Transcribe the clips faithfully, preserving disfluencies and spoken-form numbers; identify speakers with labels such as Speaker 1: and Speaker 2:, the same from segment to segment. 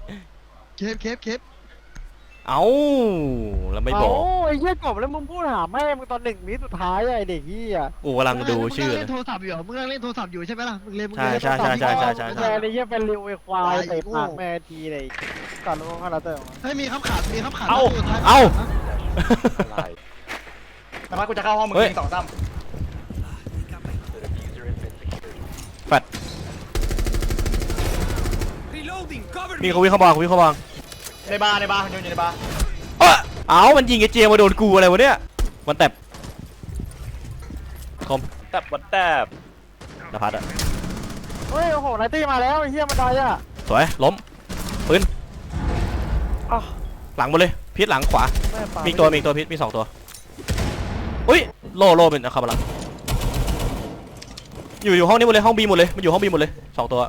Speaker 1: เคฟเคฟเคฟ
Speaker 2: เอ้าแล้วไม่บอก
Speaker 3: โอ้ยเหี้ยกบแล้วมึงพูดหาแม่มึงตอนหนึ่งวิสุดท้ายไอ้เด็กเหี้ย
Speaker 2: กูกำลังดูชื่อ
Speaker 1: มึง
Speaker 2: เล
Speaker 1: เล่
Speaker 2: ย
Speaker 1: นโทรศัพท์อยู่เหรอมึงเล่นโทรศัพท์อยู่ใช่ไหมล่ะมึงเล่นมึง
Speaker 2: ใช่
Speaker 1: เล่น
Speaker 2: ใช่ใช่ใช่ใช่ใช่
Speaker 3: แม่ไอ้เหี้ยเป็นริวไอ้ควายเตะปากแม่ทีเลยก่อนลงคาราเต้
Speaker 1: เฮ้ยมีคำขาดมีคำขาด
Speaker 2: เอ้า
Speaker 1: สุดท้ย
Speaker 2: เอ้า
Speaker 4: แต่ว่ากูจะเข้าห้องมึง
Speaker 2: เฮ้ย
Speaker 4: ยิงสองซ้
Speaker 2: แฟดมีเขาวิ่งเข้าบางเขาวิ่งเข้าบาง
Speaker 4: ำในบาร์ในบาร์อยู่ในบาร์
Speaker 2: เอ้าเอ้ามันยิงไอ้เจมาโดนกูอะไรวะเนี่ยมันแตบคอม
Speaker 5: แตบวันแตบ
Speaker 2: นภัสอะ
Speaker 3: เฮ้ยโอ้โหไนตี้มาแล้วไอ้เหี้ยมันได้อะ
Speaker 2: สวยล้มปืนอ้าวหลังหมดเลยพิษหลังขวามีอีกตัวมีอีกตัวพิษมีสองตัวอุ้ยโลโลเป็นอะคาบาลังอยู่อยู่ห้องนี้หมดเลยห้องบีหมดเลยมันอยู่ห้องบีหมดเลยสองตัว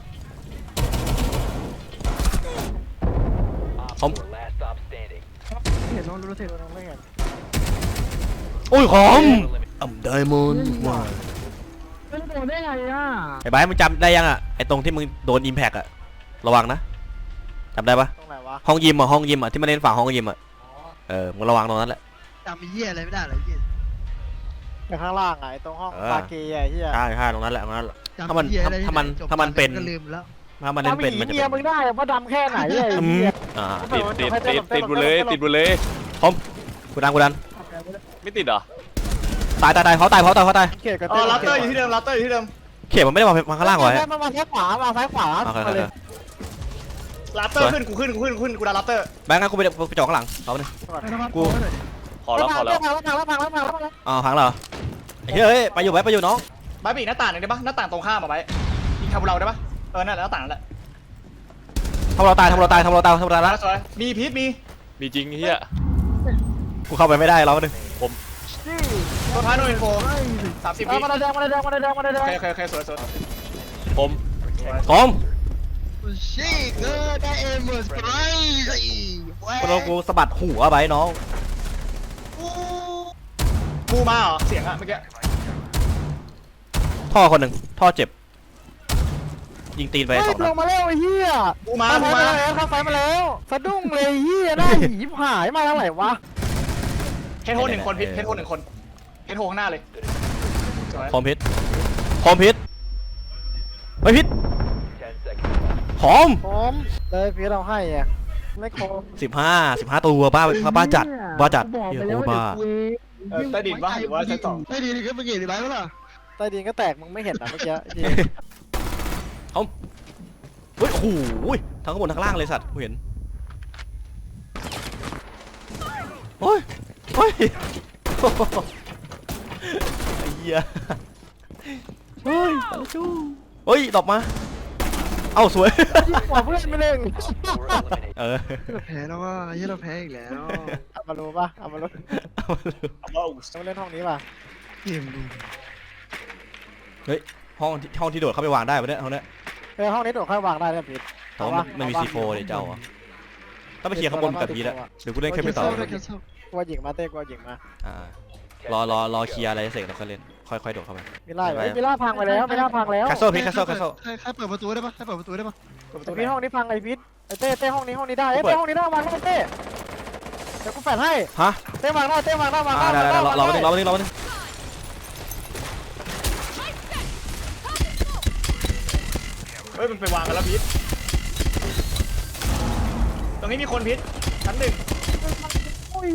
Speaker 2: คอม
Speaker 1: เห็นน้องรู้สึก
Speaker 3: ไม่เห็น
Speaker 2: โอ้ยคอมอ่ำไดมอนด์ว้า
Speaker 1: เป็นโดนได้ไงอ่ะ
Speaker 2: ไอ้บ้ามึงจำได้ยังอ่ะไอ้ตรงที่มึงโดนอิมแพกอ่ะระวังนะจำได้ปะ
Speaker 3: ตรงไหนวะ
Speaker 2: ห้องยิมอ่ะห้องยิมอ่ะที่มันเล่นฝั่งห้องยิมอ่ะเออมึงระวังตรงนั้นแหละ
Speaker 1: จำมีเหี้ยอะไรไม่ได้เลยเหี้ย
Speaker 3: อยู่ข้างล่างไงตรงห้องบาเกย์ไอ้เหี้ย
Speaker 2: ใช่ใช่ตรงนั้นแหละตรงนั้นแหละ
Speaker 1: จำ
Speaker 2: ถ้ามัน
Speaker 1: เหี้ยอะไร
Speaker 2: ถ้ามัน
Speaker 1: จบ
Speaker 2: ถ้ามันเป็น
Speaker 1: ก็ลืมแล้ว
Speaker 2: ถ้ามันเล่นเป็นมันจะ
Speaker 3: เมีย
Speaker 2: เป็
Speaker 3: มึ
Speaker 2: น
Speaker 3: งได้เพราะดำแค่ไหนไอ้
Speaker 2: อืม
Speaker 3: เหี้ย
Speaker 2: อ่า
Speaker 5: ติดติดติดติดติดบุเลยติดบุเลย
Speaker 2: กูดันกูดัน
Speaker 5: ไม่ติดเหรอ
Speaker 2: ตายตายตายเขาตายเขาตายเขาตาย
Speaker 3: เขตกับ
Speaker 4: อ๋อลัตเตอร์อยู่ที่เดิมลัตเตอร์อยู่ที่เดิม
Speaker 2: เข็มมันไม่ได้วางวางข้างล่างไว้
Speaker 3: มามาซ้ายขวามาซ้ายขวา
Speaker 2: โอเคโอ
Speaker 3: มา
Speaker 2: เค
Speaker 3: เลย
Speaker 4: ลัตเตอร์ขึ้นกูขึ้นกูขึ้นกูขึ้นกูดันลัตเตอร์
Speaker 2: แบงค์งั้นกูไปไปจ่อข้างหลังเขาหนึ่ง กู
Speaker 5: ขอแล้วขอแล้ว
Speaker 3: พังแล้วพังแล้วพังแล้วพังแล้ว
Speaker 2: อ๋อพังเหรอไอ้เฮ้ยไปอยู่ไว้ไปอยู่น้อง
Speaker 4: บายบีหน้าต่างหนึ่งได้ปะหน้าต่างตรงข้ามมาไว้ยิงคาบูเราได้ปะเออนั่นแหละหน้าต่างนั่นแหละ
Speaker 2: ทำเราตายทำเราตายทำเราตายทำเราตายแล้ว
Speaker 4: สวยมีพีทมี
Speaker 5: มีจริงเฮีย
Speaker 2: กูเข้าไปไม่ได้เราหนึ่ง
Speaker 4: ตัวท้ายโนอินโฟสามสิบวิ
Speaker 3: มาแดงมาแดงมาแดงมาแดง
Speaker 4: โอเคโอเคโอเคสวยสวย
Speaker 5: ผม
Speaker 2: คอม
Speaker 1: ชิคเออได้เอ็มเมอร์สไปร์
Speaker 2: กูโดนกูสะบัดหัวไปน้อง
Speaker 4: กูมาเหรอเสียงอะเมื่อกี้
Speaker 2: ท่อคนหนึ่งท่อเจ็บยิงตีนไป
Speaker 3: เฮ้ย
Speaker 2: สอง
Speaker 3: ล
Speaker 2: นัด
Speaker 3: งมาแล้วไอ้เหี้ย
Speaker 4: กูมา
Speaker 3: เข้า
Speaker 4: กู
Speaker 3: ไฟ
Speaker 4: มา
Speaker 3: มาแล้วเข้าไฟมาแล้วสะดุ้งเลยเหี้ยหน้าหยีหายมาทางไหนวะ
Speaker 4: เฮดโฮหนึ่งคนพีทเฮดโฮหนึ่งคนเฮดโฮข้างหน้าเลยสวย
Speaker 2: คอมพิษคอมพิษไม่พิษหอม
Speaker 3: ผมเลยพี่เราให้อ่ะไม่โคม
Speaker 2: สิบห้าสิบห้าตัวบ้าบ้าจัดบ้าจัด
Speaker 1: บอก
Speaker 2: เฮีย
Speaker 1: ไป
Speaker 2: โค
Speaker 1: แล้ว
Speaker 2: ตรบ้า
Speaker 4: เออใต้ดินวะหรือว่าชั้นสอง
Speaker 1: ใต้ดินนี่ก็เป็นเกย์หรือไงวะล่ะ
Speaker 3: ใต้ดินก็แตกมึงไม่เห็นนะเมื่อกี้จริง
Speaker 2: เฮ้ยโอ้โหทั้งข้างบนทั้งล่างเลยสัตว์กูเห็นโอ้ยโอ้ยไอ้เหี้ยเฮ้ยตาจูเฮ้ยดอกมาเอ้าสวย
Speaker 3: กว่าเพื่อนไม่เล่น
Speaker 2: เออ
Speaker 1: เราแพ้แล้วว่าเฮ้ยเราแพ้อีกแล้ว
Speaker 3: เอามารู้ป่ะเอามารู้
Speaker 2: เอามาดู
Speaker 4: เอาบ้า
Speaker 3: เอามาเล่นห้องนี้ป่ะ
Speaker 1: เกมดู
Speaker 2: เฮ้ยห้องที่ห้องที่โดดเข้าไปวางได้ปะเนี่ยห้องเนี้ย
Speaker 3: เออห้องนี้โดดค่อยวางได้เนี่ยพีท
Speaker 2: แต่ว่ามันมันมีซีโฟเดี๋ยวเจ้าอ่ะต้องไปเคลียร์ข้างบนกับพีทอะเดี๋ยวกูเล่นแค่ไม่ต่อ
Speaker 1: แคนเซิล
Speaker 3: กลัวหญิงมาเต้กลัวหญิงมา
Speaker 2: อ่ารอรอรอเคลียร์อะไรเสร็จแล้วค่อยเล่นค่อยค่อยโดดเข้าไป
Speaker 3: มิล่ามิล่าพังไปแล้วมิล่าพังแล้ว
Speaker 2: แคสเซิลพีทแคสเซิลแคสเซิล
Speaker 1: ใครใครเปิดประตูได้ปะใครเปิดประตูได้ปะ
Speaker 3: แต่พีทห้องนี้พังไอ้พีทไอ้เต้เต้ห้องนี้ห้องนี้ได้ไอ้เต้ห้องนี้ได้วางให้เต้เดี๋ยวกูแฝดให้
Speaker 2: ฮะ
Speaker 3: เต้วางได้เต้วางได้วาง
Speaker 2: อ่า
Speaker 3: ได้
Speaker 2: ได้ได้รอรอไปนึงรอไปนึงรอไปนึง
Speaker 4: เฮ้ยมันไปวางกันแล้วพีทตรงนี้มีคนพีทชั้นหนึ่ง
Speaker 3: โอ้ย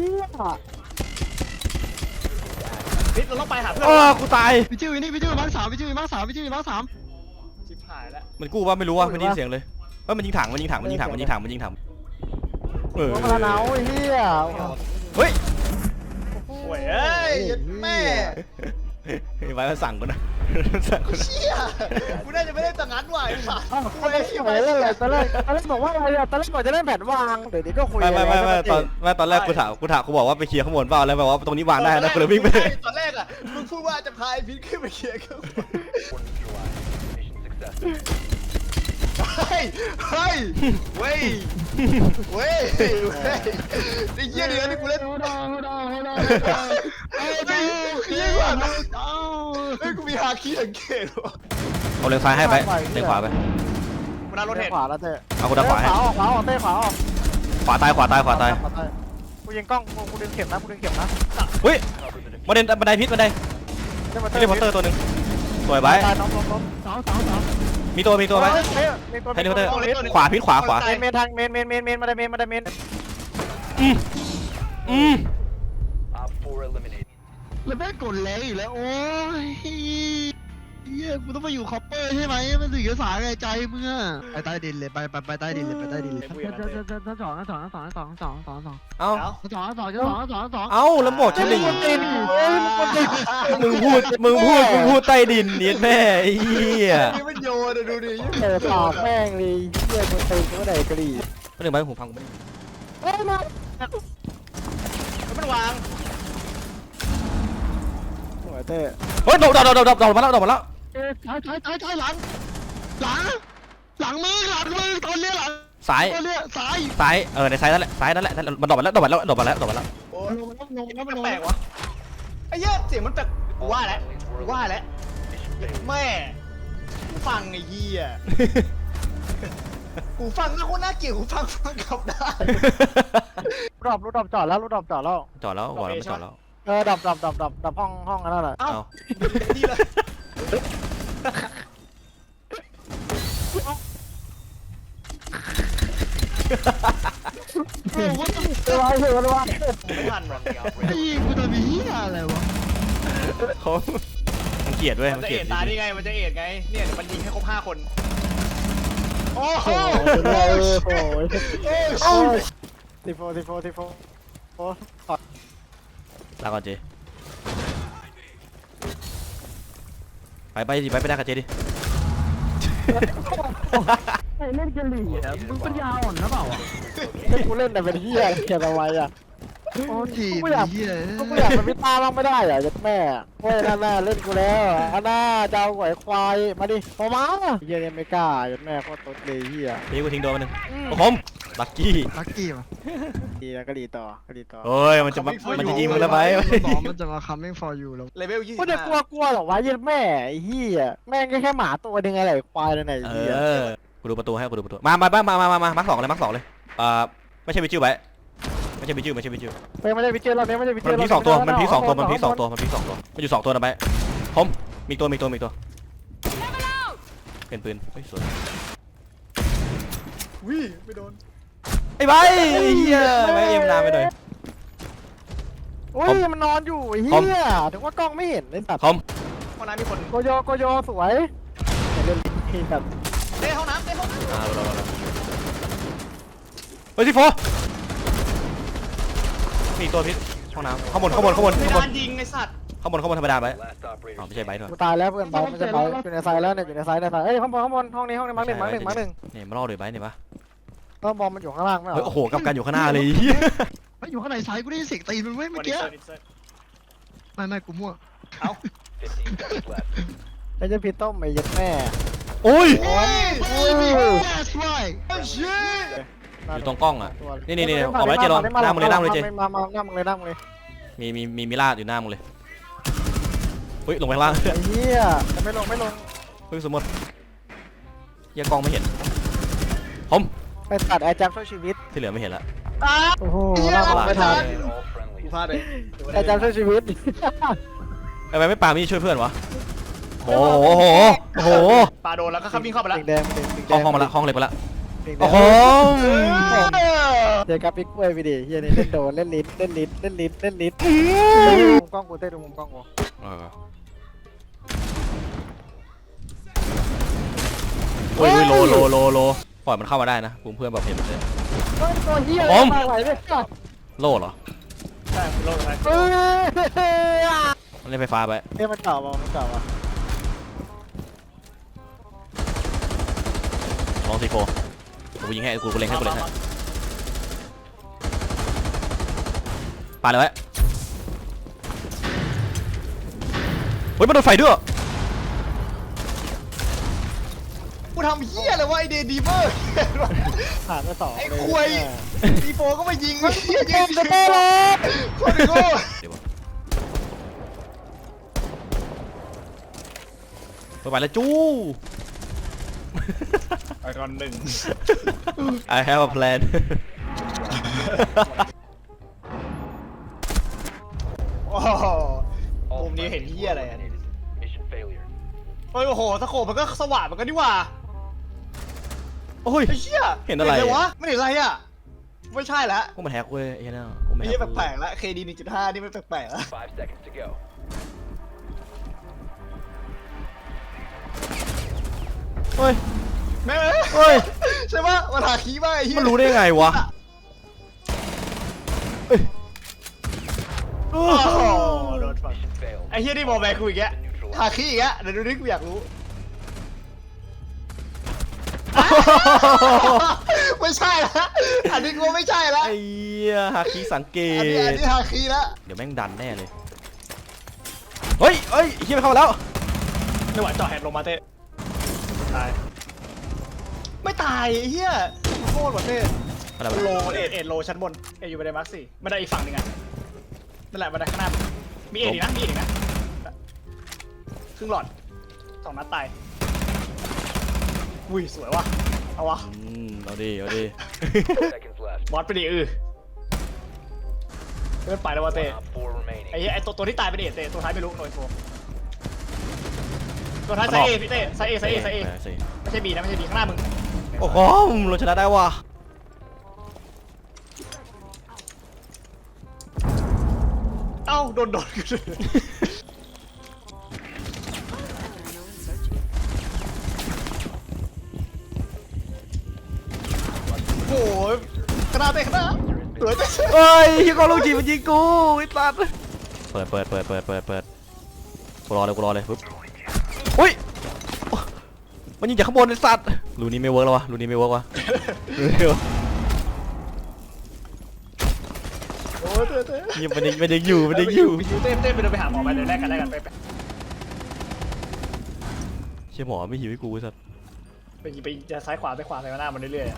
Speaker 4: พีทเราต้องไปหาเพื่อน
Speaker 2: อ๋อกูตาย
Speaker 1: พี่จิ้วนี่พี่จิ้วมาร์คสามพี่จิ้วมาร์คสามพี่จิ้วมาร์คสาม
Speaker 4: ชิบหายแล้ว
Speaker 2: มันกู้ว่าไม่รู้ว่าไม่ได้ยินเสียงเลยว่ามันยิงถังมันยิงถังมันยิงถังมันยิงถังมันยิงถังเออ
Speaker 3: โอ้มาหนาวไอ้เหี้ย
Speaker 2: เฮ้ย
Speaker 4: โอ้ยเอ้ยแม่
Speaker 2: ไว้มาสั่งกูนะสั่งกูนะ
Speaker 4: เชี่ยกูน่าจะไม่ได้ตังงั้นว่ะไอ้สัส
Speaker 3: อ้าวไม่ได้ไปเล่นเลยตอนแรกตอนแรกบอกว่าอะไรอะตอนแรกบอกจะเล่นแผนวางเดี๋ยวนี้ก็คุย
Speaker 2: ไม่ไม่ไม่ไม่ตอนไม่ตอนแรกกูถามกูถามกูบอกว่าไปเคลียร์ข้างบนเปล่าแล้วแบบว่าตรงนี้วางได้นะกูเลยวิ่งไป
Speaker 4: ตอนแรกอ่ะมึงพูดว่าจะพาไอ้พีทขึ้นไปเคลียร์กันเฮ้ยเฮ้ยเว้ยเว้ยเว้ยไอ้เหี้ยเดือนนี่กูเล่น
Speaker 1: โอ้ดองโอ้ดองโอ้ดอง
Speaker 4: เฮ้ยเฮ้ยเฮ้ยว่ะเฮ้ยกูมีฮาคิสังเกตว่ะ
Speaker 2: เอาเลนซ้ายให้ไปเลนขวาไป
Speaker 3: ม
Speaker 4: มันน่ารถ
Speaker 3: เต้
Speaker 4: เห็น
Speaker 3: ขวาแล้วเต้
Speaker 2: เอากูด้านขวาให้
Speaker 3: ขวาออกขวาออกเต้ขวาออก
Speaker 2: ขวาตายขวาตายขวาตาย
Speaker 3: กูยิงกล้องกูกูดึงเข็มนะกูดึงเข็มนะ
Speaker 2: เฮ้ยบันไดบันไดพิษบันได
Speaker 3: เต้มา
Speaker 2: เฮลิคอปเตอร์ตัวหนึงสวยไว้
Speaker 3: ตายน้องล้มล้มสองสองสอง
Speaker 2: มีตัวมีตัวไว้
Speaker 3: เต้มีตัว
Speaker 2: เฮลิคอปเตอร์
Speaker 3: มีตัว
Speaker 2: ขวาพิษขวาขวา
Speaker 3: เมนเมนทางเมนเมนเมนเมนมาได้เมนมาได้เมน
Speaker 2: อืมอืม
Speaker 1: แล้วแม่งกดแรงอีกแล้วโอ้ยเฮียกูต้องมาอยู่คอปเปอร์ใช่ไหมมันถึงจะสายใจมึงอะไปใต้ดินเลยไปไปไปใต้ดินเลยไปใต้ดินเลย
Speaker 3: สองสองสองสองสองสองสอง
Speaker 2: เอ้า
Speaker 3: สองสองสองสองสอง
Speaker 2: เอ้าแล้วหมดชั้นหนึ่ง
Speaker 3: ตีนเฮ้ยมันตีน
Speaker 2: มึงพูดมึงพูดมึงพูดใต้ดินเนียแม่ไอ้เหี้ย
Speaker 4: นี่มันโยนอะดูดิ
Speaker 3: เตะปากแม่งเลยเฮียมันตีนก็ได้กะหรี่
Speaker 2: ไม่ถึงไปหูพังกูไม่ได้
Speaker 3: เฮ้ยมา
Speaker 4: แล้วมันวาง
Speaker 3: สวยเต้
Speaker 2: เฮ้ยโดดโดดโดดโดดโดดมาแล้วโดดมาแล้ว
Speaker 3: เอ้ยถอยถอยถอยถอยหลัง
Speaker 1: หลังหลังมึงหลังมึงตอนเนี้ยหลัง
Speaker 2: ซ้าย
Speaker 1: ตอนเนี้ยซ้าย
Speaker 2: ซ้ายเออในซ้ายนั่นแหละซ้ายนั่นแหละมันโดดมาแล้วโดดมาแล้วโดดมาแล้วโดดมาแล้ว
Speaker 4: โอ้
Speaker 1: ลงลงลง
Speaker 4: ย
Speaker 1: ลง
Speaker 4: แปลกๆวะไอ้เหี้ยเสียงมันแปลกกูว่าแล้วกูว่าแล้วแม่กูฟังไอ้เหี้ยกูฟังนะคนน่าเกลียดกูฟังฟังกลับได้
Speaker 3: รอบรถดอบจอดแล้วรถดอบจอดแล้ว
Speaker 2: จอดแล้วบอกแล้วไม่จอดแล้ว
Speaker 3: เออดับดับดับดับดับห้องห้องนั่นแหละ
Speaker 4: เอ้า
Speaker 2: เอา
Speaker 4: ดีเลย
Speaker 1: โอ้โหว่าต้อง
Speaker 3: เออไว้เถอะไว้
Speaker 4: ไม่ทันหรอก
Speaker 1: ไอ้กูทำเหี้ยอะไรวะ
Speaker 2: เขามันเกลียดเว้ย
Speaker 4: มั
Speaker 2: มัน น
Speaker 4: จะ
Speaker 2: เกลี
Speaker 4: เอ็
Speaker 2: ยด
Speaker 4: ดตาได้ไง มันจะเอ็ดไง เนี่ยเดี๋ยวมันยิงให้ครบห้าคน โอ้โห
Speaker 3: โอ้โหโอ้โห
Speaker 1: โอ้ย
Speaker 3: ทีโฟทีโฟทีโฟโอ้
Speaker 2: ลาก่อนเจไปไปดิไปไปได้กับเจดิ
Speaker 3: เล่นกันหลี่อ่ะมึงปัญญาอ่อนนะเปล่าให้กูเล่นแต่เป็นเฮียเฮียทำไมอ่ะ
Speaker 1: โอ้ทีม
Speaker 3: กูอยาก
Speaker 1: เหี้ย
Speaker 3: กูอยากเป็นพิตาบ้างไม่ได้อ่ะยัดแม่เว้ยนั่นน่ะเล่นกูแล้วอันน่าจะเอาไหวควายมาดิพอมาเฮียเนี่ยไม่กล้ายัดแม่โคตรตุ๊ดเลยเฮีย
Speaker 2: นี่กูทิ้งโดนมาหนึ่งโอ้ผมลักกี้
Speaker 1: ลักกี้ป่ะ
Speaker 3: ดีแล้วก็ดีต่อก็ดีต่อ
Speaker 2: เฮ้ยมันจะมามันจะยิงมึงแล้วไป
Speaker 1: มันบอกมันจะมา coming for you แล้ว
Speaker 4: เลเวลยี่สิบ
Speaker 3: กูจะกลัวกลัวหรอวะยัดแม่ไอ้เฮียแม่งก็แค่หมาตัวนึงอะไรควายเลยไหน
Speaker 2: เอ
Speaker 3: เฮีย
Speaker 2: อกูดูประตูให้กูดูประตูมามามามามามามาร์คสองเลยมาร์คสองเลยเอ่อไม่ใช่วิจิวไว้ไม่ใช่วิจิวไม่ใช่วิจิว
Speaker 3: เฮ้ยไม่ได้พิเจอร์เราเนี่ยไม่ได้พิเจอ
Speaker 2: มัน
Speaker 3: ร์
Speaker 2: พีสองตัวมันพีสองตัวมันพีสองตัวมันพีสองตัวมันอยู่สองตัวนะไปผมมีตัวมีตัวมีตัวเป็นปืนเฮ้ยสวย
Speaker 4: วิไม่โดน
Speaker 2: ไอ้ใบเฮียไม่เอ็มนานไปหน่อย
Speaker 3: โอ้ยมันนอนอยู่ไอ้เฮียถึงว่ากล้องไม่เห็นไอ้สัตว์
Speaker 2: ผม
Speaker 4: ห้องน้ำมีคน
Speaker 3: โกโยโกโยสวยเล่นลิ้นแบบ
Speaker 4: เต้ห้องน้ำเต้ห้องน้ำ
Speaker 2: อ่ารอรอรอเฮ้ยที่โฟมีตัวพิษห้องน้ำข้างบนข้างบนข้างบน
Speaker 4: ไม่
Speaker 2: ข้างบน
Speaker 4: ดานยิงไอ้สัตว์
Speaker 2: ข้างบนข้างบนธรรมดาไปอ๋อไม่ใช่ใบด้วย
Speaker 3: กูตายแล้วเพื่อนไปมันจะไปอยู่ในไซแล้วเนี่ยอยู่ในไซในไซเอ้ยข้างบนข้างบนห้องนี้ห้องนี้มั้งหนึ่งมั้งหนึ่งมั้งหนึ่ง
Speaker 2: เนี่ยมาล่อเลยใบเนี่ยปะ
Speaker 3: ก็บอลมันอยู่ข้างล่างไม่เหร
Speaker 2: เฮ้ย
Speaker 3: อ
Speaker 2: โอ้โหกับกันอยู่ข้างหน้าเลย
Speaker 1: มันอยู่ข้างในซ้ายกูได้ยินเสียงตีนมันเว้ย
Speaker 4: วั
Speaker 1: เมื่
Speaker 4: น
Speaker 1: อ
Speaker 4: นี้
Speaker 1: กี้
Speaker 4: เซิร์ฟเซิร์ฟ
Speaker 1: ไม่ไม่กูมั่ว
Speaker 3: ไอ้เจ้าพีต้มไอ้ยัดแม่
Speaker 2: โอ้ย
Speaker 1: โอ้ย that's right
Speaker 4: เฮ้ยชิ
Speaker 2: อยู่ตรงกล้องอ่ะนี่นี่นี่ออกมาแล้วเจลองหน้ามึงเลยหน้ามึงเลยเจ
Speaker 3: มามาหน้ามึงเลยหน้ามึงเลย
Speaker 2: มีมีมีมิลาดอยู่หน้ามึงเลยเฮ้ยลงไปข้างล่าง
Speaker 3: ไอ้เหี้ยไม่ลงไม่ลง
Speaker 2: เฮ้ยสมมติยังกล้องไม่เห็นผม
Speaker 3: ไปตัดไอ้จับช่วยชีวิต
Speaker 2: ที่เหลือไม่เห็นละ
Speaker 3: โอ้โหหน้ามึงไม่ทัน
Speaker 4: กูพลาดเลย
Speaker 3: ไอ้จับช่วยชีวิต
Speaker 2: ทำไมไม่ปามีช่วยเพื่อนวะโอ้โหโอ้โหโอ้โห
Speaker 4: ปาโดนแล้วก็ข้ามวิ่งเข้าไปแล้ว
Speaker 3: แดงแดง
Speaker 2: ห้องห้องมาละห้องเล็กมาละ
Speaker 3: แดง
Speaker 2: โอ้โห
Speaker 3: เจอกับปิ๊กกล้วยไปดิเฮียนี่เล่นโดนเล่นลิ้นเล่นลิ้นเล่นลิ้นเล่นลิ้นมุมกล้องกูเต้ดูมุมกล้องกู
Speaker 2: เออโอ้ยโอ้ยโลโลโลโลปล่อยมันเข้ามาได้นะกลุ่มเพื่อนแบบเห็นเลย
Speaker 3: เฮ้ยตัวเฮีย
Speaker 2: ผม
Speaker 3: มาไหวไหม
Speaker 2: โลเหรอ
Speaker 4: ใช่โลกอะไร
Speaker 3: เฮ้ย
Speaker 2: มันเล่นไฟฟ้าไป
Speaker 3: เฮ้ยมันเก่าป่ะมันเก่าป่ะ
Speaker 2: ลองซีโฟกูยิงให้กูกูเล็งให้กูเล็งให้ปาเลยไว้เฮ้ยมันโดนไฟด้วย
Speaker 4: กูทำเหี้ยอะไรวะไอเดดีเวอร์
Speaker 3: ผ่านไปสอง
Speaker 4: ไอ้ควยดีโฟก็มายิงไอ้เหี้ย
Speaker 3: เก
Speaker 4: ยิ
Speaker 3: ม
Speaker 4: ง
Speaker 3: จะเต้เลย
Speaker 4: โคตรโง่
Speaker 2: เดี๋ยวก่อนไปไปแล้วจู้
Speaker 4: ไอรอนหนึ่ง
Speaker 2: I have a plan
Speaker 4: โอ้โหมุมนี้เห็นเหี้ยอะไรอะเฮ้ยโอ้โหสโคปมันก็สว่างมันก็นี่หว่า
Speaker 2: โอ้ย
Speaker 4: ไอ้เหี้ย
Speaker 2: เห็นอะไร
Speaker 4: วะไม่เห็นอะไรอ่ะไม่ใช่ละ
Speaker 2: พวกมันแฮกเว้ยไอ้เนี่ยพวกมัน
Speaker 4: ไอ้
Speaker 2: แฮ
Speaker 4: เหี้ย
Speaker 2: ก
Speaker 4: แปลกๆละ เค ดี หนึ่งจุดห้า นี่ไม่แปลกๆละ
Speaker 2: เฮ้ย
Speaker 4: แม่
Speaker 2: เฮ้ย
Speaker 4: ใช่ปะมันหาคีย์มาไอ้เหี้ย
Speaker 2: มันรู้ได้ไงวะเอ้ย
Speaker 4: โอ้โหโดนฟังไอ้เหี้ยนี่บอกแบกกูอีกแกหาคีย์อีกแกเดี๋ยวดูดิกูอยากรู้ ไม่ใช่ละอันนี้กูไม่ใช่ละ
Speaker 2: ไอ้เหี้ยฮาคิสังเก
Speaker 4: อันนี้อัน
Speaker 2: ต
Speaker 4: นี้หาคีย์ละ
Speaker 2: เดี๋ยวแม่งดันแน่เลย เฮ้ยเฮ้ยไอ้เหี้ยมันเข้ามาแล้ว
Speaker 4: ไม่ไหวจ่อแฮนด์ลงมาเต้ตายไม่ตายไอ้เหี้ยโคตรหมดเต้
Speaker 2: อะไร
Speaker 4: มัน
Speaker 2: วะ
Speaker 4: โลเอ็ดเอ็ดโลชั้นบนเอ็ดอยู่บันไดมาร์คสี่บันไดอีกฝั่งหนึ่งอ่ะนั่นแหละบันไดข้างหน้ามีเอ็ดอีกนะมีเอ็ดอีกนะครึ่งหลอดสองนัดตายอุ้ยสวยว่ะเอาวะ
Speaker 2: อืมเอาดิเอาดิ
Speaker 4: บอสไปดิเออเลื่อนไปแล้ววะเต้ไอ้เหี้ยไอ้ตัวตัวที่ตายเป็นเอ็ดเต้ตัวท้ายไม่รู้โนยโฟตัวท้ายไซเอพี่เต้ไซเอไซเอไซเอ
Speaker 2: ใส่
Speaker 4: ไม่ใช่บีนะไม่ใช่บีข้างหน้ามึง
Speaker 2: โอ้โหเราชนะได้ว่ะ
Speaker 4: เอ้าโดนโดนกูโอ้ยขนาดเต้ขนาดสวยเต้
Speaker 2: เฮ้ยยิงกองลูกจีมันยิงกูไอ้สัสเปิดเปิดเปิดเปิดเปิดเปิดกูรอเลยกูรอเลยปุ๊บอุ้ยมันยิงจากข้างบนไอ้สัตว์รูนี้ไม่เวิร์กแล้ววะรูนี้ไม่เวิร์กวะ
Speaker 4: โอ้ยเต้เต้
Speaker 2: ยิงมันยังมันยังอยู่มันยังอยู่
Speaker 4: ไปยูเต้เต้ไปเดินไปหาหมอไปเดินแรกกันแรกกันไปไป
Speaker 2: เชี่ยหมอไม่หิวให้กูไอ้สัตว์
Speaker 4: ไปไปจะซ้ายขวาไปขวาไปข้างหน้ามันเรื่อยๆ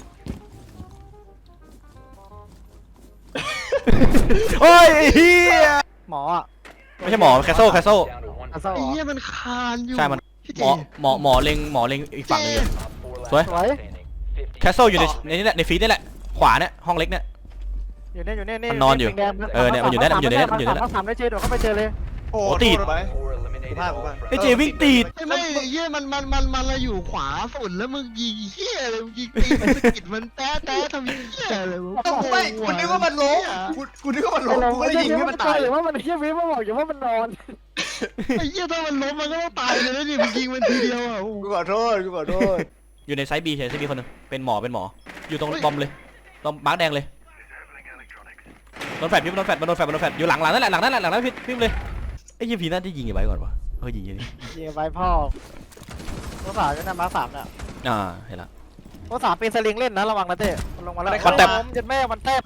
Speaker 2: โอ้ยไอ้เฮีย
Speaker 3: หมออ่ะ
Speaker 2: ไม่ใช่หมอแคสโซ่แคสโซ่
Speaker 3: อันเศร้า
Speaker 1: ไอ้
Speaker 3: เหรอ
Speaker 1: เหี้ยมันคานอยู่
Speaker 2: ใช่มัน
Speaker 1: พี่
Speaker 2: หมอหมอหมอเล็งหมอเล็งอีกฝั่งหนึงอยู่สวย
Speaker 3: สวย
Speaker 2: แคสโซ่อยู่ในในนี้แหละในฟีดนี่แหละขวาเนี่ยห้องเล็กเนี่ย
Speaker 3: อยู่เนี่ยอยู่เนี่ยนี่
Speaker 2: มันนอนอยู่
Speaker 3: แดงๆ
Speaker 2: เออเนี่ยมันอยู่เนี่ยมันอยู่เนี่ยมันอยู่เนี่ย
Speaker 3: มาสามได้เจโดดเข้าไปเจอเลย
Speaker 4: โอ้
Speaker 2: โอ้ติด
Speaker 4: โทษไปกูพลาดกูพลาด
Speaker 2: ไอ้เจวิ่งติด
Speaker 1: ไม่ไม่ไอ้เหี้ยมันมันมันมันเราอยู่ขวาสุดแล้วมึงยิงเหี้ยอะไรมึงยิงตีมันสะกิดมันแต๊ะแต๊ะทำเหี้ยอะไรวะ
Speaker 4: ต้องไม่กูนึกว่ามันล้มกูกูนึกว่ามันล้มกูก็เลยยิงให้มันตาย
Speaker 3: หรือว่ามันเฮียวิมาบอกอยู่ว่ามันนอน
Speaker 1: ไอ้เหี้ยถ้ามันล้มมันก็ต้องตายเลยนะนี่มึงยิงมันทีเดียวอ่ะโอ้โห
Speaker 4: กูขอโทษกูขอโทษ
Speaker 2: อยู่ในไซส์บีใช่ไซส์บีคนหนึงเป็นหมอเป็นหมออยู่ตรงบอมเลยตรงมาร์กแดงเลยโดนแฟดพี่โดนแฟดโดนแฟดโดนแฟดอยู่หลังหลังนั่นแหละหลังนั่นแหละหลังนั้นพี่พี่เลยไอ้ยี่พีน่าจะยิงไอ้ไว้ก่อนวะเฮ้ยยิงยิง
Speaker 3: ยิงไปพ่อตัวสามอยู่นะมาสามเนี่ย
Speaker 2: อ่าเห็นละ
Speaker 3: ตัวสามเป็นสลิงเล่นนะระวังนะเต้มันลงมาแล้ว
Speaker 2: มันแตบ
Speaker 3: เจ็ดแม่มันแทบ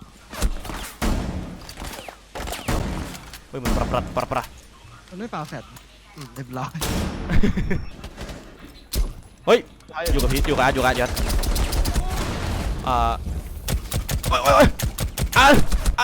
Speaker 2: เฮ้ยมันปรับปรับปรับปรับ
Speaker 1: มันไม่ปาแฟดอืมเรียบร้อย
Speaker 2: เฮ้ยอยู่กับพีทอยู่กับอาร์ตอยู่กับอาร์ตยัดอ่าโอ้ยโอ้ยโอ้ยอ่ะอ่ะ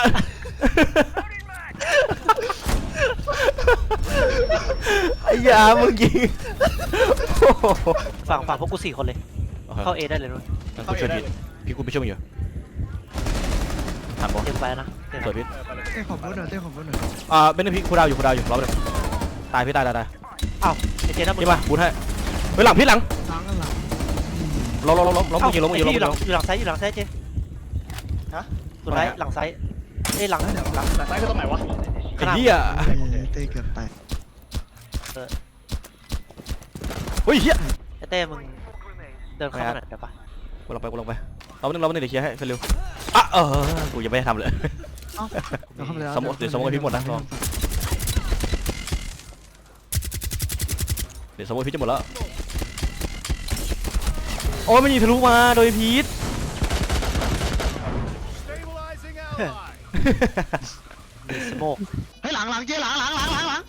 Speaker 2: ไอ้ยามึงยิงโอ้โห
Speaker 6: ฝั่งฝั่งพวกกูสี่คนเลย เข้าเอได้เลยนุ้ย
Speaker 2: งั้นกูช่วยพีทพี่กูไปช่วยมึงอยู่ทันปะ
Speaker 6: เต็มไปแล้วนะเต็ม
Speaker 2: สวยพีท
Speaker 1: เต้ขอบคุณหน่อยเต้ขอบคุณหน่อย
Speaker 2: อ่าเป็นหนึ่งพีทคูดาวอยู่คูดาวอยู่รอบหนึงตายพี่ตายตายตาย
Speaker 6: อ้าวไอเจนะมึง
Speaker 2: พี่มาบูทให้เฮ้ยหลังพีทหลัง
Speaker 1: ล้างกันหลัง
Speaker 2: ล้มล้มล้มล้มล้มมึงยิงล้มมึงยิงล้ม
Speaker 6: อยู่
Speaker 2: มึง
Speaker 6: ห
Speaker 2: ยิ
Speaker 6: ลั
Speaker 2: งล้ม
Speaker 6: งอยู่หลังซ้ายอยู่หลังซ้ายเจ
Speaker 4: ฮะ
Speaker 6: สุดท้ายหลังซ้ายเอ้ยหลังหลัง
Speaker 4: หลังซ้ายคือตรงไหนวะ
Speaker 2: ไอ้เหี้ย
Speaker 1: เต้เกือบตาย
Speaker 2: เฮ้ยเหี้ย
Speaker 6: ไอเต้มึงเดินเข้ามาหน่อยเดี๋ยวปะ
Speaker 2: กูลงไปกูลงไปเราหนึ่งเราหนึ่งเดี๋ยวเคลียร์ให้เร็วอ่ะเออกูยังไม่ได้ทำเลย
Speaker 1: เราเข้าไปแล้ว
Speaker 2: สมมุติเดี๋ยวสมมุติให้พี่หมดนะลอง เดี๋ยวสมมติพีทจะหมดแล้วโอ้ยมันยิงทะลุมาโดยพีท
Speaker 6: สโมก
Speaker 1: เฮ้ยหลังหลังเจ๊หลังหลังหลังหลังหลัง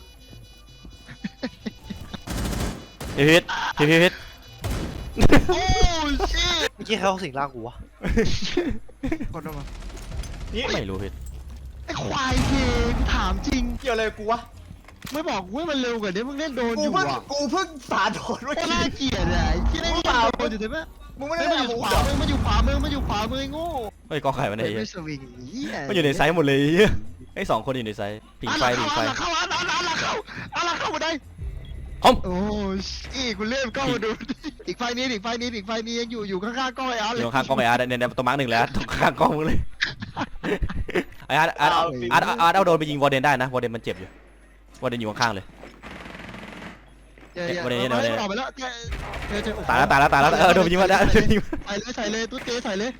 Speaker 2: เฮ้ยพีทพีทพีทพีท
Speaker 1: โอ้ชิ
Speaker 6: เมื่อกี้เขาสิงร่างกูวะ
Speaker 1: คนออกมา
Speaker 4: นี่
Speaker 2: ไม่รู้พีท
Speaker 1: ไอ้ควายเกกูถามจริง
Speaker 4: เกี่ยวอะไรกูวะ
Speaker 1: ไม่บอกกูให้มันเร็วกว่านี้มึงเล่นโดน
Speaker 4: กู
Speaker 1: อยู่
Speaker 4: เพิ่ง
Speaker 1: อ่ะ
Speaker 4: กูเพิ่งสาโดนเมื่อ
Speaker 1: ก็
Speaker 4: กี้
Speaker 1: น่าเกลียดอ่ะที่เล่นโดนอยู่ใช่ไหม
Speaker 4: กมึงไม่
Speaker 1: เฮ้
Speaker 4: ได้
Speaker 1: ยมัน
Speaker 4: เล่น
Speaker 1: อยู่
Speaker 4: อา
Speaker 1: ข
Speaker 4: วุธเหรอ
Speaker 1: วามือมันอยู่ขวามือมันอยู่ขวามือไอ้โง่
Speaker 2: เฮ้ยกองไข่มันไหน
Speaker 1: ไม่สวิงเหี้ย
Speaker 2: มันอยู่ในไซส์หมดเลยเหี้ยไอ้สองคนอยู่ในไซส์ผิงไฟผิงไฟ
Speaker 1: อ่ะเข้าอ่ะเข้าอ่ะอ่ะเข้าอ่ะเข้ามาได้
Speaker 2: คอม
Speaker 1: โอ้ยกูเลื่อนกล้องมาดูอีกไฟนี้อีกไฟนี้อีกไฟนี้ยังอยู่อยู่ข้างๆกล้องไอ้อาร์ต
Speaker 2: อ
Speaker 1: เลย
Speaker 2: ยู่ข้างกล้องไอ้อาร์ตเนี่ยเนี่ยตัวมาร์กหนึ่งแล้วตรงข้างกล้องมึงเลยไอ้อาร์ตอาร์ตอาร์ตอาร์ตเอาโดนไปยิงวอร์เดนได้นะวอร์เดนมันเจ็บอยู่วอร์เดนอยู่ข้างๆเลย
Speaker 1: เดี๋ยวเดี๋ยว
Speaker 2: วันนี้
Speaker 1: เอา
Speaker 2: วันนี้
Speaker 1: ออกไปแล้วเดี๋ยวเดี๋ยวเดี๋ยว
Speaker 2: ตายแล้วตายแล้วตายแล้วเออโดนไปยิงมาแล้วโดนไปยิงมา
Speaker 1: ใส่เลยใส่เลยตุ๊ดเจใส่เลย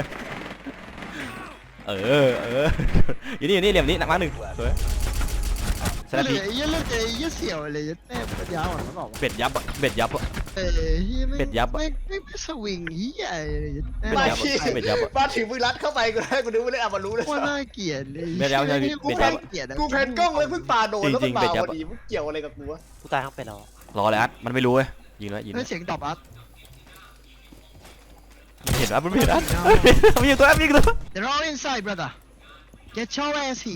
Speaker 2: เออเอออยู่นี่อยู่นี่เหลี่ยมนี้หนักมากหนึ่งสวยส
Speaker 1: เห
Speaker 2: ลับ
Speaker 1: ลื
Speaker 2: พี
Speaker 1: อไอ้เหี้ยเลือดเจไอ้เหี้ยเสี่ยวเลยแม่ปัญญาอ่อนมันบอกว่า
Speaker 2: เบ็ดยับอะเบ็ดยับอะ
Speaker 1: เอ้ยเหี้ยไม่
Speaker 2: เป็ดยับอะ
Speaker 1: ไม่ไม่ไม่สวิงเหี้ยเลยแม่
Speaker 2: เป็ด
Speaker 4: มา
Speaker 2: ยับ
Speaker 4: ที่
Speaker 2: อะเป็ดยับอะ
Speaker 4: มาถึงมึงรัดเข้าไปกูได้กูนึกว่าเล่นอามารู้เลย
Speaker 1: ว่าน่าเกลียดเลย
Speaker 2: เป็ดยับใช่ไหม
Speaker 1: กู
Speaker 2: เป็ดยั
Speaker 1: แพ้
Speaker 2: บ
Speaker 1: เกลียดอะ
Speaker 4: กูแพนกล้องเลยเพิ่งปาโดนแล้ว
Speaker 2: จริ
Speaker 4: มัน
Speaker 2: งๆ
Speaker 4: มา
Speaker 2: เป็ดยับ
Speaker 4: พอดีมึงเกี่ยวอะไรกับกูวะ
Speaker 6: กูตายทั้งเป็นแล้ว
Speaker 2: รอเลยอัดมันไม่รู้เว้ยยิงแล้วยิง
Speaker 1: เฮ้
Speaker 2: แล้
Speaker 1: ยว เสียงตอบอัด
Speaker 2: มันเห็นอัดมันไม่เห็นอัดมันยิงตัวอัดยิงตัว
Speaker 1: They're all inside brother Get your ass here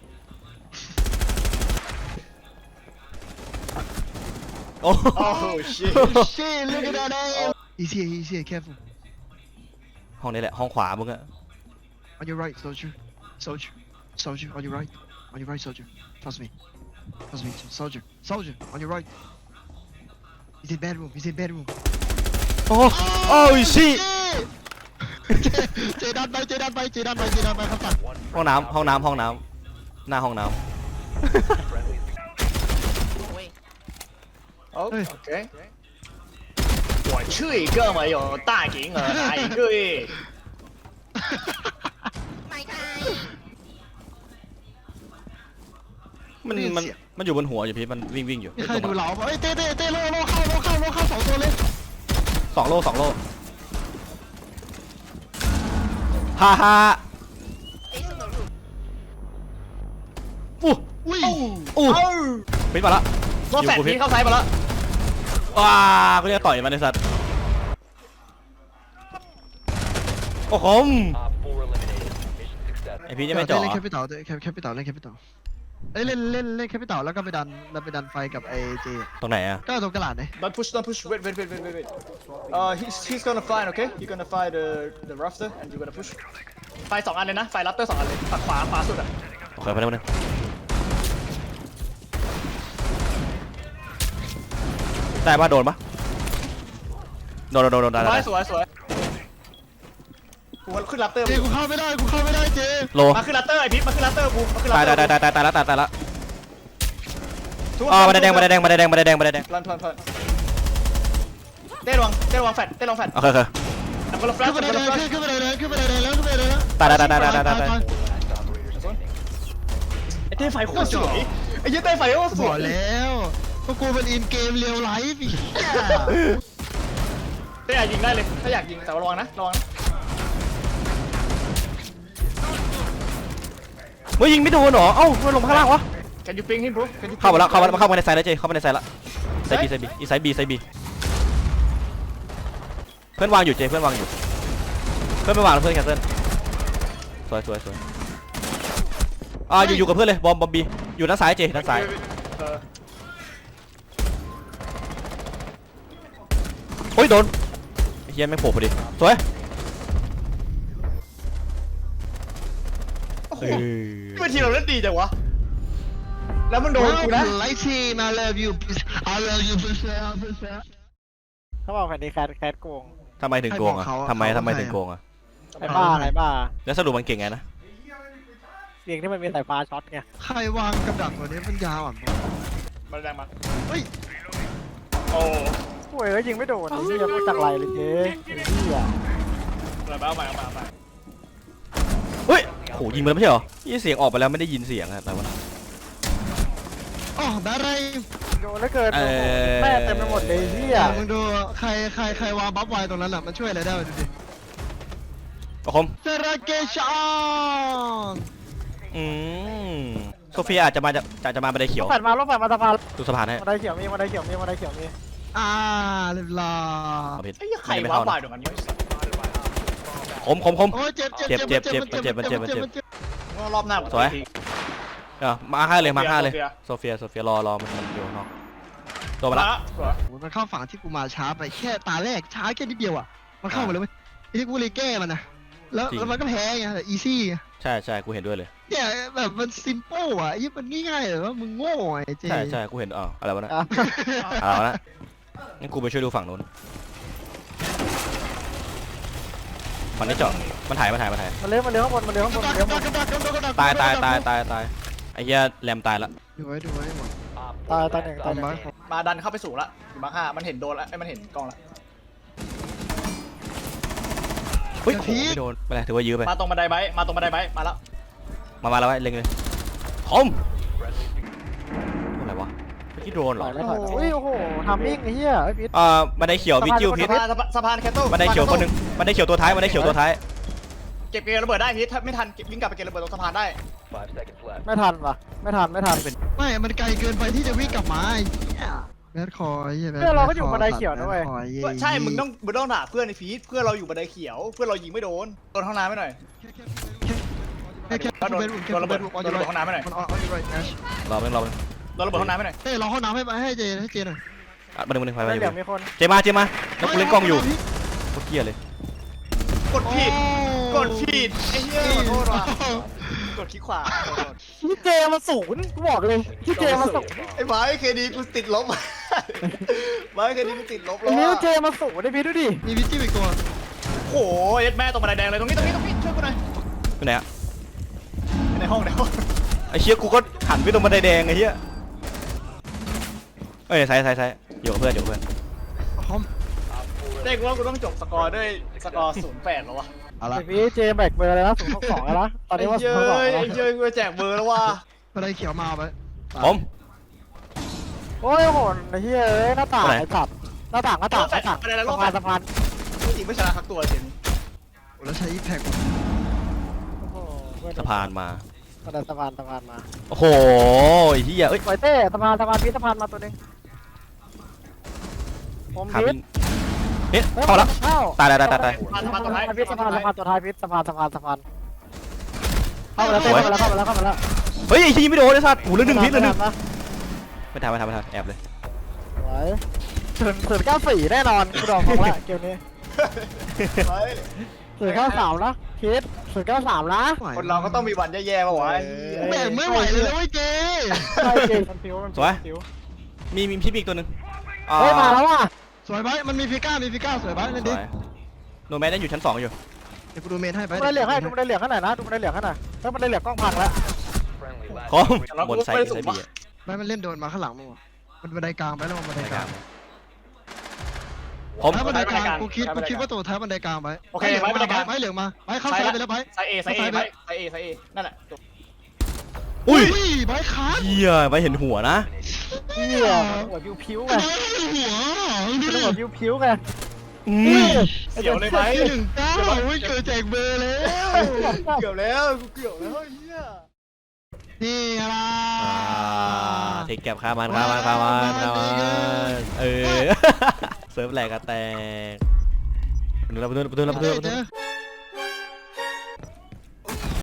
Speaker 2: โอ้
Speaker 4: โอ้โหชิต
Speaker 1: Shit look at that ass He's here he's here careful
Speaker 2: ห้องนี้แหละห้องขวามึงอะ
Speaker 1: On your right soldier Soldier Soldier on your right On your right soldier Trust me Trust me soldier Soldier on your right He's in bedroom He's in bedroom
Speaker 2: โอ้โอ้ยชิ
Speaker 1: เจดันไปเจดันไปเจดันไปเจดันไปครับสั่ง
Speaker 2: ห้องน้ำห้องน้ำห้องน้ำหน้าห้องน้
Speaker 4: โอเค我去一个没有大银额拿一个耶
Speaker 2: ำมันมันมันอยู่บนหัวอยู่พี่มันวิ่งวิ่งอยู่
Speaker 1: นี่ใครดูเหลาเอ้ยเต้เต้เต้โลโลเข้าโลเข้าโลเข้าสองตัวเลย
Speaker 2: สองโลสองโลฮ่าฮ่าอู้
Speaker 1: อุ้ย
Speaker 2: อู้
Speaker 4: เอ้า
Speaker 2: ปิดมาละ
Speaker 4: รถแฟดพีเข้าซ้ายมาแล้ว
Speaker 2: ว้ากูจะต่อยมันไอ้สัตว์โอ้โหไอพี่จะไม่จ่อ
Speaker 1: เล่นแคปิตอลแคปิตอลเล่นแคปิตอลเอ้ยเล่นเล่นเล่นแคปิตอลแล้วก็ไปดันแล้วไปดันไฟกับไอเจ
Speaker 2: ตรงไหนอะ
Speaker 1: ก็ตรงกระดาษเนี่ย
Speaker 4: Don't push, don't push. Wait, wait, wait, wait, wait, wait. Uh, he's he's gonna find, okay? He's gonna find the the rafter, and you're gonna push. ไฟสองอันเลยนะ ไฟรับเตอร์สองอันเลยฝั่งขวาขวาสุดอ่ะ
Speaker 2: โอเคไปแล้วนึงได้ปะโดนปะโดนโดนโดนโดนได้
Speaker 4: สว
Speaker 2: ได้
Speaker 4: ยสวยสวยกูขึ้นรับเตอร์
Speaker 1: เจกูเข้าไม่ได้กูเข้าไม่ได้เจ
Speaker 2: โล
Speaker 4: มาขึ้นรับเตอร์ไอพิษมาขึ้นรับเตอร์กูมาขึ้นรับ
Speaker 2: ตาย
Speaker 4: เตอร์
Speaker 2: ตายตายตายตายแล้วตายตายแล้วอ๋อมาแดงมาแดงมาแดงมาแดงมาแดง
Speaker 4: พลันพลันพลันเต้ระวังเต้ระวังแฟดเต้ระวังแฟด
Speaker 2: โอเคโอเค
Speaker 4: แล้วก็รับแฟล
Speaker 1: ขึ้
Speaker 4: ช
Speaker 1: นไป
Speaker 4: แล้วก็
Speaker 1: ได้
Speaker 4: รับแฟลช
Speaker 1: ขึ้นไปได้เลยขึ้นไปได้เลยแล้วขึ้นไปได้เลยแล้ว
Speaker 2: ตายตายตายตายตายตายตาย
Speaker 4: ไอเต้ไฟโคตรสวยไอ้เหี้ยเต้ไฟโคตรส
Speaker 1: บ
Speaker 4: ว
Speaker 1: อย กแล้วก็กูเป็นอินเกมเรียลไลฟ์อีก
Speaker 4: เต้อยากยิงได้เลยถ้าอยากยิงแต่ว่าระวังนะระวังนะ
Speaker 2: เฮ้ยยิงไม่โดนเหรอเอ้ามันลงข้างล่างวะ
Speaker 4: Can you ping him bro Can you
Speaker 2: เข้ามาแล้วเข้ามาเข้ามาในไซด์แล้วเจเข้ามาในไซด์แล้วไซด์บีไซด์บีอีไซด์บีไซด์บีเพื่อนวางอยู่เจเพื่อนวางอยู่เพื่อนไม่วางแล้วเพื่อนแคนเซิลสวยสวยสวยอ่าอยู่อยู่กับเพื่อนเลยบอมบอมบีอยู่ด้านซ้ายเจด้านซ้าย
Speaker 4: เออ
Speaker 2: โอ้ยโดนไอ้เฮียไม่โผล่พอดีสวย
Speaker 4: โอ้โห
Speaker 2: เออ
Speaker 4: เมื่อทีเราเล่นดีจังวะแล้วมันโดนกูนะ
Speaker 1: ไลฟ์ทีม I love you I love you
Speaker 3: เขาบอกแผ่นนี้แคทแคทโกง
Speaker 2: ทำไมถึงโกงอ่ะทำไมทำไมถึงโกงอ่ะ
Speaker 3: ไอ้บ้าไอ้บ้า
Speaker 2: แล้วสรุปมันเก่งไงนะ
Speaker 3: เสียงที่มันมีสายฟ้าช็อตไง
Speaker 1: ใครวางกับดักตัวนี้มันยาวอ่ะ
Speaker 4: มาแรงมา
Speaker 1: เฮ้ย
Speaker 4: โอ้
Speaker 3: โอ้ยยิงไม่โดนไอ้เหี้ยไม่จักไรเลยเจ๊ไอ้เหี้ย
Speaker 4: เอามาเอามาเอามาเอามา
Speaker 2: เฮ้ยโหยิงมันไม่ใช่เหรอยี่เสียงออกไปแล้วไม่ได้ยินเสียงอะแต่ว่า
Speaker 1: อ๋อได้ไร
Speaker 3: โดนแล้วเกิน
Speaker 2: เอ่อ
Speaker 3: แม่เต็มไปหมดเลยไอ้เหี้ย
Speaker 1: มึงดูใครใครใครวางบัฟไวตรงนั้นอ่ะมันช่วยอะไรได้ดูดิ
Speaker 2: โอ้โห
Speaker 1: เซราเกชอน
Speaker 2: อืมโซเฟียอาจจะมาจะจะจะมาบันไดเขียว
Speaker 3: แผ่นมาลบแผ่นมาสะพาน
Speaker 2: ดูสะพานให้
Speaker 3: บันไดเขียวมีบันไดเขียวมีบันไดเขียวมี
Speaker 1: อ่าเรียบร้อย
Speaker 2: เอาผิด
Speaker 4: ไอ้เหี้ยใคร
Speaker 2: ไม่
Speaker 4: ว้า
Speaker 2: เข้า
Speaker 4: บ่าย
Speaker 2: นะ
Speaker 4: ตรงนั้นเนี่ย
Speaker 2: คมคมคม
Speaker 1: โอ้ยเจ็บเจ็บ
Speaker 2: เจ็บเจ็บเจ็บเจ็บเจ็บเจ็บ
Speaker 4: รอบหน้ากู
Speaker 2: สวย
Speaker 4: ที
Speaker 2: เออมาให้เลยมาให้เลย
Speaker 4: โซเฟีย
Speaker 2: โซเฟียโซเฟียรอรอมันมันอยู่ข้างนอกตัวมาละ
Speaker 4: สวย
Speaker 1: มันเข้าฝั่งที่กูมาช้าไปแค่ตาแรกช้าแค่นิดเดียวอ่ะมันเข้ามาเลยเว้ยไอ้ที่กูเลยแก้มันนะแล้วแล้วมันก็แพ้ไงแต่อีซี่
Speaker 2: ใช่ใช่กูเห็นด้วยเลย
Speaker 1: เนี่ยแบบมันซิมเปิลอ่ะไอ้ยี่มันง่ายๆเลยว่ามึงโง่ไอ้เจ
Speaker 2: ใช่ใช่กูเห็นอ๋ออะไรวะนะ
Speaker 3: อ่ะ
Speaker 2: เอาละงั้นกูไปช่วยดูฝั่งนู้นมันไม่เจาะมันถ่ายมันถ่ายมันถ่าย
Speaker 3: มันเลี้ยวมันเลี้ยวข้างบนมันเลี้ยวข้างบนมันเลี้ยวข้างบน
Speaker 2: ตายตายตายตายตายไอ้เหี้ยแรมตายละ
Speaker 1: ดูไว้ดูไว้หมด
Speaker 3: ตายตายหนึ่ง
Speaker 1: ตา
Speaker 3: ตาย
Speaker 1: ม
Speaker 3: หนึ่ง
Speaker 1: มา
Speaker 4: มาดันเข้าไปสู่ละอยู่มาร์คห้ามันเห็นโดนละไอ้ยมันเห็นกล้องละ
Speaker 2: เฮ้ยโอ้โหไม่โดนไม่เป็นไรถือว่ายื้อไป
Speaker 4: มาตรงบันไดไบค์มาตรงบันไดไบค์มาแล้ว
Speaker 2: มามาแล้วไว้เล็งเลยคมอะไรวะเมื่อกี้โดนเหร
Speaker 3: ถ
Speaker 2: อ
Speaker 3: อยแล้วถอยแล้วอุ้ยโอ้โหทำมิ่งไอ้เหี้ยไอ้พิษ
Speaker 2: อ่าบันไดเขียววิจิวพิษ
Speaker 4: สะพานสะพานสะพานแคทเทิล
Speaker 2: บันไดเขียวคนหนึ่งบันไดเขียวตัวท้ายบันไดเขียวตัวท้าย
Speaker 4: เก็บเกมระเบิดได้พีทถ้าไม่ทันเก็บวิ่งกลับไปเก็บระเบิดตรงสะพานได้
Speaker 3: ไม่ทันว่ะไม่ทันไม่ทัน
Speaker 1: ไม่มันไกลเกินไปที่จะวิ่งกลับมาไอ้เหี้ยแบดคอยไอ้เหี้ยแบด
Speaker 3: เพื่อนเราก็อยู่บันไดเขียวนะเว้ย
Speaker 1: แบดคอไอ้เหี้ย
Speaker 4: ใช่ มึงต้องมึงต้องด่าเพื่อนในฟีดเพื่อนเราอยู่บันไดเขียว เพื่อนเรายิงไม่โดนโดนห้องน้ำไม่หน่อย
Speaker 1: แค่แค่
Speaker 4: ก็โดน
Speaker 1: แค่แค่
Speaker 4: โดนระเบิด
Speaker 1: แค่
Speaker 4: โดนระเบิดห้องน้ำไม่หน่อย
Speaker 1: มันออนอยู่ไรแอช
Speaker 2: รอเป็นรอเป็น
Speaker 4: โดนระเบิดห้องน้ำไม่หน่อย
Speaker 1: เฮ้ยรอห้องน้ำให้ให้เจให้เจหน่อย
Speaker 2: อ่ะบันไดบันไดไปไป
Speaker 3: ไม่เหลือ
Speaker 2: ไป
Speaker 3: มีคน
Speaker 2: เจมาเจมาแล้วกูเล่นกล้องอยู่โคตรเกลียดเลย
Speaker 4: กดผิด กดผิดไอ้เหี้ยขอโทษว่ะกดคลิกขวาขอโทษ
Speaker 3: ที่เจมาศูนย์กูบอกเลยที่เจมาศูนย์
Speaker 4: ไอ้ไม้เคดีกูติดลบไม้เคดีกูติดลบแล้
Speaker 3: ไอ้
Speaker 4: ว
Speaker 3: นิ้ว
Speaker 4: อะ
Speaker 3: เจมาศูนย์ไอ้พิษดูดิ
Speaker 1: มีวิจิอีกตัว
Speaker 4: โอ้โหเอ็ดแม่ตรงบันไดแดงเลยตรงนี้ตรงนี้ตรงนี้ช่วยกูหน่อย
Speaker 2: อยู่ไหนอะ
Speaker 4: ในห้องในห้อง
Speaker 2: ไอ้เชี่ยกูก็หันไปตรงบันไดแดงไอ้เหี้ยเอ้ยใส่ใส่ใส่อยู่กับเพื่อนอยู่กับเพื่อน
Speaker 1: คอม
Speaker 4: เด็กว่ากูต้องจบสกอร์ด้วยสกอร์ศูนย์แปดแล้ววะ
Speaker 1: เอาละ
Speaker 3: ไอ้พิษเจแบกเบอร์เลยนะศูนย์หกสองแล้วนะตอน
Speaker 4: ไอ้
Speaker 3: นี้ว่าศู
Speaker 4: เย้
Speaker 3: นย์หกสอง
Speaker 4: ย
Speaker 3: แล้ว
Speaker 4: ไอ้เย้ยกูจะแจกเบอร์แล้วว่ะ
Speaker 1: บันไดเขียวมาเอาไป
Speaker 2: ผม
Speaker 3: โอ้ยโหดไอ้เหี้ยเอ้ยหน้าต่าง
Speaker 2: ไหน
Speaker 3: ไอ้สัตว์หน้าต่างหน้าต่างหน้าต่าง
Speaker 4: บันไดแล้วร
Speaker 3: สะ
Speaker 4: อบ
Speaker 3: พานสะพาน
Speaker 4: จริงไม่ชนะทักตัวเจน
Speaker 1: แล้วใช้อีแพก
Speaker 3: โอ้โหเพื่อน
Speaker 2: สะพานมา
Speaker 3: บันไดสะพานสะพานมา
Speaker 2: โอ้โหไอ้เหี้ยเอ้ย
Speaker 3: ปล่อยเต้สะพานสะพานพิษสะพานมาตัวหนึงผม
Speaker 2: ขา
Speaker 3: พิ
Speaker 2: บิ
Speaker 3: ษ
Speaker 2: นเอ๊ะเข้าแล้ว
Speaker 3: เข้า
Speaker 2: ตายตายตายตายตาย
Speaker 4: สะพานสะพาน
Speaker 3: สะ
Speaker 4: ตัวท้าย
Speaker 3: พานพิษสะพานสะพานตัวท้ายพิษสะพานสะพานสะพานเข้ามาแล้วเต้เข้ามาแล้วเข้ามาแล้วเข้ามาแล้ว
Speaker 2: เฮ้ยไอ้ทีไม่โดนไอ้สัตว์หูเรื่องหนึ่งพิษเรื่องหนึ่ง
Speaker 3: นะ
Speaker 2: ไม่ทันไม่ทันไม่ทันแอบเลย
Speaker 3: สวยศูนย์ศูนย์เก้าสี่แน่นอนกูดอกของละเกมนี้
Speaker 4: เฮ้ย
Speaker 3: ศูนย์เก้าสามนะพิษศูนย์เก้าสามนะ
Speaker 4: คนเราก็ต้องมีวันแย่ๆป่าวะไอ้เหี้ย
Speaker 1: แบกไม่ไหวเลยนะเว้ยเจ
Speaker 3: ใช่เกมมันฟิวมันฟิว
Speaker 2: มีมีพิษอีกตัวหนึ่งอ่
Speaker 3: เฮ้ยมาแล้วว่ะ
Speaker 1: สวยไปมันมีฟิก้ามีฟิก้าสวยไปเล่น
Speaker 2: ส
Speaker 1: ดิ
Speaker 2: วยโนแมนได้อยู่ชั้นสองอยู่
Speaker 1: เดี๋ยวกูดูเมนให้ไป
Speaker 3: ดูมันได้เหลืองให้ดูมันได้เหลืองให้หน่อยนะดูมันได้เหลืองให้หน่อยถ้ามันได้เหลืองกล้องพังแล้ว
Speaker 2: คอมบนไซส์ไซส์บีอะ
Speaker 1: ไม่มันเล่นโดนมาข้างหลังมั้งวะมันบันไดกลางไปแล้วมันบันไดกลาง
Speaker 2: ผม
Speaker 1: ท้ายบันไดกลางกูคิดกูคิดว่าตัวท้ายบันไดกลางไป
Speaker 4: โอเคไม้บันไดกลาง
Speaker 1: ไปเหลืองมาไปเข้าซ้ายไปแล้วไป
Speaker 4: ไซเอไซเอไซไซเอไซเอนั่นแหละจบ
Speaker 2: อุ้ย
Speaker 1: ไปขาด
Speaker 2: เหี้ยไปเห็นหัวนะ
Speaker 3: เฮียหัวพิวพิวไง
Speaker 1: หัว
Speaker 3: หัวพิวพิวไง
Speaker 2: อืม
Speaker 4: เสียวเลยไหม
Speaker 1: ที่หนึ่งเก้าไม่เจอแจกเบอร์แล้ว
Speaker 4: เกือบแล้วกูเกือบแล้วไอ้เหี้ย
Speaker 1: นี่อะไร
Speaker 2: อ่าเทคแก็บข้ามันข้ามันข้ามันข้ามันเออ เซิร์ฟแหลกกระแตกประตูประตูประตูประตูประตู